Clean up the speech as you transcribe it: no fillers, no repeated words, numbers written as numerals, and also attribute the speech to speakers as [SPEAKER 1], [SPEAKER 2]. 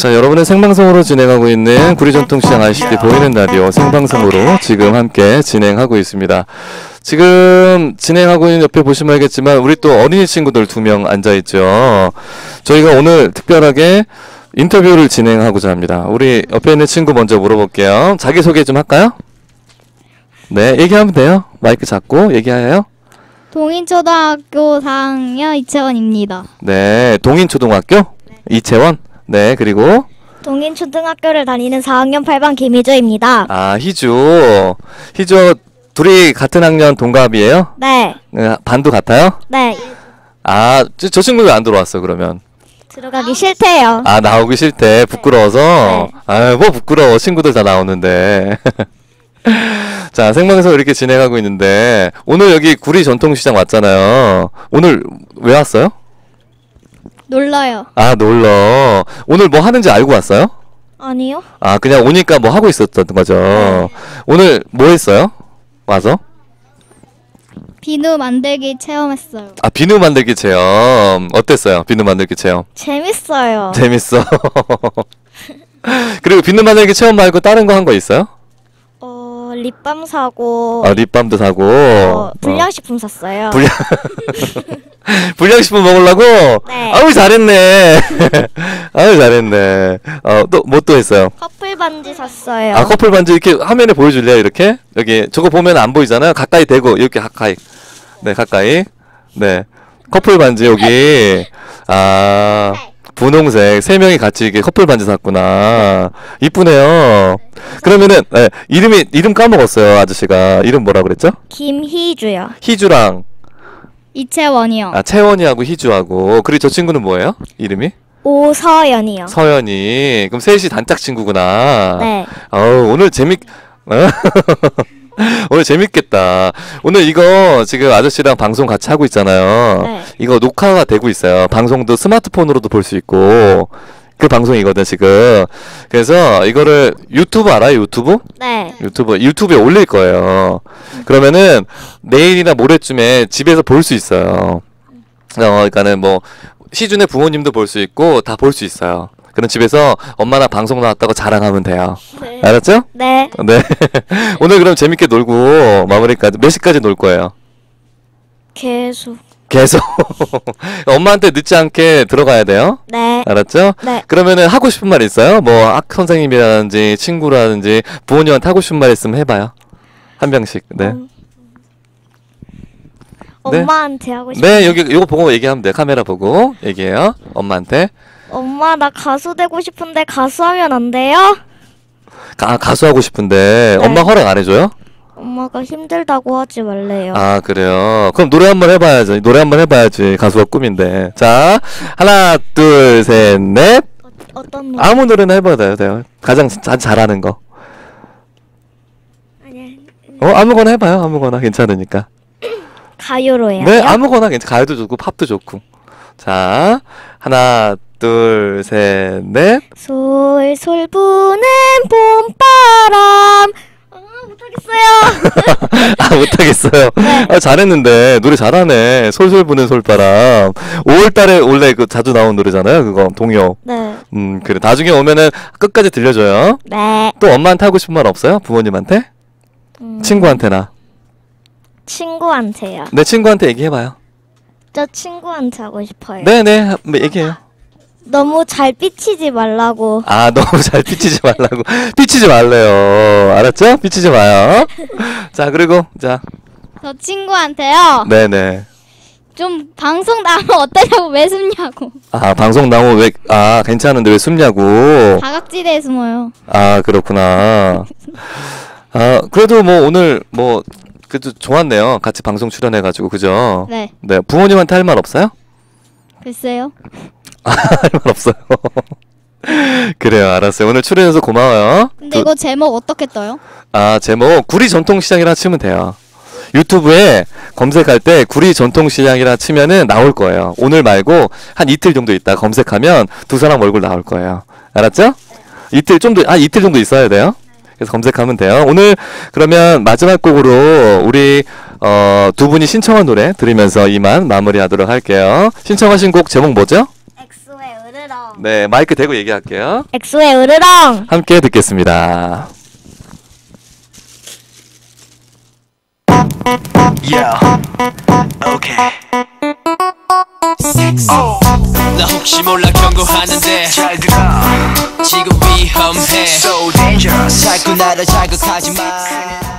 [SPEAKER 1] 자, 여러분은 생방송으로 진행하고 있는 구리전통시장 ICT 보이는 라디오 생방송으로 지금 함께 진행하고 있습니다. 지금 진행하고 있는 옆에 보시면 알겠지만 우리 또 어린이 친구들 2명 앉아있죠. 저희가 오늘 특별하게 인터뷰를 진행하고자 합니다. 우리 옆에 있는 친구 먼저 물어볼게요. 자기소개 좀 할까요? 네, 얘기하면 돼요. 마이크 잡고 얘기해요.
[SPEAKER 2] 동인초등학교 4학년 이채원입니다.
[SPEAKER 1] 네, 동인초등학교? 네. 이채원? 네, 그리고
[SPEAKER 2] 동인초등학교를 다니는 4학년 8반 김희주입니다.
[SPEAKER 1] 아, 희주 둘이 같은 학년 동갑이에요?
[SPEAKER 2] 네.
[SPEAKER 1] 반도 같아요?
[SPEAKER 2] 네.
[SPEAKER 1] 아, 저 친구 왜 안 들어왔어 그러면?
[SPEAKER 2] 들어가기 싫대요.
[SPEAKER 1] 아, 나오기 싫대. 부끄러워서?
[SPEAKER 2] 네.
[SPEAKER 1] 아유, 뭐 부끄러워. 친구들 다 나오는데. 자, 생방송 이렇게 진행하고 있는데 오늘 여기 구리 전통시장 왔잖아요. 오늘 왜 왔어요?
[SPEAKER 2] 놀러요.
[SPEAKER 1] 아, 놀러. 오늘 뭐 하는지 알고 왔어요?
[SPEAKER 2] 아니요.
[SPEAKER 1] 아, 그냥 오니까 뭐 하고 있었던 거죠.
[SPEAKER 2] 네.
[SPEAKER 1] 오늘 뭐 했어요? 와서?
[SPEAKER 2] 비누 만들기 체험했어요.
[SPEAKER 1] 아, 비누 만들기 체험. 어땠어요? 비누 만들기 체험.
[SPEAKER 2] 재밌어요.
[SPEAKER 1] 재밌어. 그리고 비누 만들기 체험 말고 다른 거 한 거 있어요?
[SPEAKER 2] 립밤 사고.
[SPEAKER 1] 아, 립밤도 사고.
[SPEAKER 2] 불량식품 샀어요.
[SPEAKER 1] 불량식품 먹으려고?
[SPEAKER 2] 네.
[SPEAKER 1] 아우, 잘했네. 아우, 잘했네. 또, 뭐 또 했어요?
[SPEAKER 2] 커플 반지 샀어요.
[SPEAKER 1] 아, 커플 반지 이렇게 화면에 보여줄래요? 이렇게? 여기, 저거 보면 안 보이잖아요? 가까이 대고, 이렇게 가까이. 네, 가까이. 네. 커플 반지 여기. 아, 분홍색. 3명이 같이 이렇게 커플 반지 샀구나. 이쁘네요. 그러면은, 네, 이름 까먹었어요, 아저씨가. 이름 뭐라 그랬죠?
[SPEAKER 2] 김희주요.
[SPEAKER 1] 희주랑,
[SPEAKER 2] 이채원이요.
[SPEAKER 1] 아, 채원이하고 희주하고. 그리고 저 친구는 뭐예요? 이름이?
[SPEAKER 2] 오서연이요.
[SPEAKER 1] 서연이. 그럼 셋이 단짝 친구구나.
[SPEAKER 2] 네.
[SPEAKER 1] 오늘 오늘 재밌겠다. 오늘 이거 지금 아저씨랑 방송 같이 하고 있잖아요.
[SPEAKER 2] 네.
[SPEAKER 1] 이거 녹화가 되고 있어요. 방송도 스마트폰으로도 볼 수 있고. 그 방송이거든, 지금. 그래서 이거를 유튜브 알아요? 유튜브?
[SPEAKER 2] 네.
[SPEAKER 1] 유튜브에 올릴 거예요. 그러면은 내일이나 모레쯤에 집에서 볼 수 있어요. 그러니까는 뭐 시준의 부모님도 볼 수 있고 다 볼 수 있어요. 그럼 집에서 엄마랑 방송 나왔다고 자랑하면 돼요.
[SPEAKER 2] 네.
[SPEAKER 1] 알았죠?
[SPEAKER 2] 네.
[SPEAKER 1] 네. 오늘 그럼 재밌게 놀고 마무리까지 몇 시까지 놀 거예요?
[SPEAKER 2] 계속.
[SPEAKER 1] 엄마한테 늦지 않게 들어가야 돼요.
[SPEAKER 2] 네.
[SPEAKER 1] 알았죠?
[SPEAKER 2] 네.
[SPEAKER 1] 그러면은 하고 싶은 말 있어요? 뭐 학 선생님이라든지 친구라든지 부모님한테 하고 싶은 말 있으면 해봐요. 한 명씩. 네.
[SPEAKER 2] 엄마한테 하고 싶어.
[SPEAKER 1] 네, 여기 이거 보고 얘기하면 돼요. 카메라 보고 얘기해요. 엄마한테.
[SPEAKER 2] 엄마, 나 가수 되고 싶은데 가수하면 안 돼요?
[SPEAKER 1] 가수 하고 싶은데
[SPEAKER 2] 네.
[SPEAKER 1] 엄마 허락 안 해줘요?
[SPEAKER 2] 엄마가 힘들다고 하지 말래요.
[SPEAKER 1] 아, 그래요. 그럼 노래 한번 해봐야지. 노래 한번 해봐야지. 가수가 꿈인데. 자, 하나, 둘, 셋, 넷.
[SPEAKER 2] 어떤 노래?
[SPEAKER 1] 아무 노래나 해봐도 돼요. 가장 잘하는 거.
[SPEAKER 2] 아니,
[SPEAKER 1] 아무거나 해봐요. 아무거나 괜찮으니까.
[SPEAKER 2] 가요로 해요.
[SPEAKER 1] 네, 아무거나 괜찮아. 가요도 좋고 팝도 좋고. 자, 하나, 둘, 셋, 넷.
[SPEAKER 2] 솔솔 부는 봄바람. 못하겠어요.
[SPEAKER 1] 아, 못하겠어요.
[SPEAKER 2] 네.
[SPEAKER 1] 아, 잘했는데 노래 잘하네. 솔솔 부는 솔바람. 5월달에 원래 그 자주 나온 노래잖아요. 그거 동요.
[SPEAKER 2] 네.
[SPEAKER 1] 그래. 나중에 오면은 끝까지 들려줘요.
[SPEAKER 2] 네.
[SPEAKER 1] 또 엄마한테 하고 싶은 말 없어요? 부모님한테? 친구한테나.
[SPEAKER 2] 친구한테요.
[SPEAKER 1] 내 친구한테 얘기해봐요.
[SPEAKER 2] 저 친구한테 하고 싶어요.
[SPEAKER 1] 네네. 얘기해요.
[SPEAKER 2] 너무 잘 삐치지 말라고.
[SPEAKER 1] 아, 너무 잘 삐치지 말라고. 삐치지 말래요. 알았죠? 삐치지 마요. 자, 그리고 자.
[SPEAKER 2] 저 친구한테요.
[SPEAKER 1] 네네.
[SPEAKER 2] 좀 방송 나오면 어떠냐고, 왜 숨냐고.
[SPEAKER 1] 아, 방송 나오면 왜, 괜찮은데 왜 숨냐고.
[SPEAKER 2] 다각지대에 숨어요.
[SPEAKER 1] 아, 그렇구나. 아, 그래도 뭐 오늘 뭐 그래도 좋았네요. 같이 방송 출연해가지고, 그죠?
[SPEAKER 2] 네.
[SPEAKER 1] 네, 부모님한테 할 말 없어요?
[SPEAKER 2] 글쎄요.
[SPEAKER 1] 할 말 없어요. 그래요, 알았어요. 오늘 출연해서 고마워요.
[SPEAKER 2] 근데 이거 제목 어떻게 떠요?
[SPEAKER 1] 아, 제목 구리 전통시장이라 치면 돼요. 유튜브에 검색할 때 구리 전통시장이라 치면은 나올 거예요. 오늘 말고 한 이틀 정도 있다 검색하면 두 사람 얼굴 나올 거예요. 알았죠? 이틀 정도 있어야 돼요. 그래서 검색하면 돼요. 오늘 그러면 마지막 곡으로 우리 두 분이 신청한 노래 들으면서 이만 마무리하도록 할게요. 신청하신 곡 제목 뭐죠?
[SPEAKER 2] 엑소의 으르렁.
[SPEAKER 1] 네, 마이크 대고 얘기할게요.
[SPEAKER 2] 엑소의 으르렁.
[SPEAKER 1] 함께 듣겠습니다.
[SPEAKER 3] Yeah. Okay. 나 혹시 몰라 경고하는데 잘 들어 지금 위험해 So dangerous 자꾸 나를 자극하지 마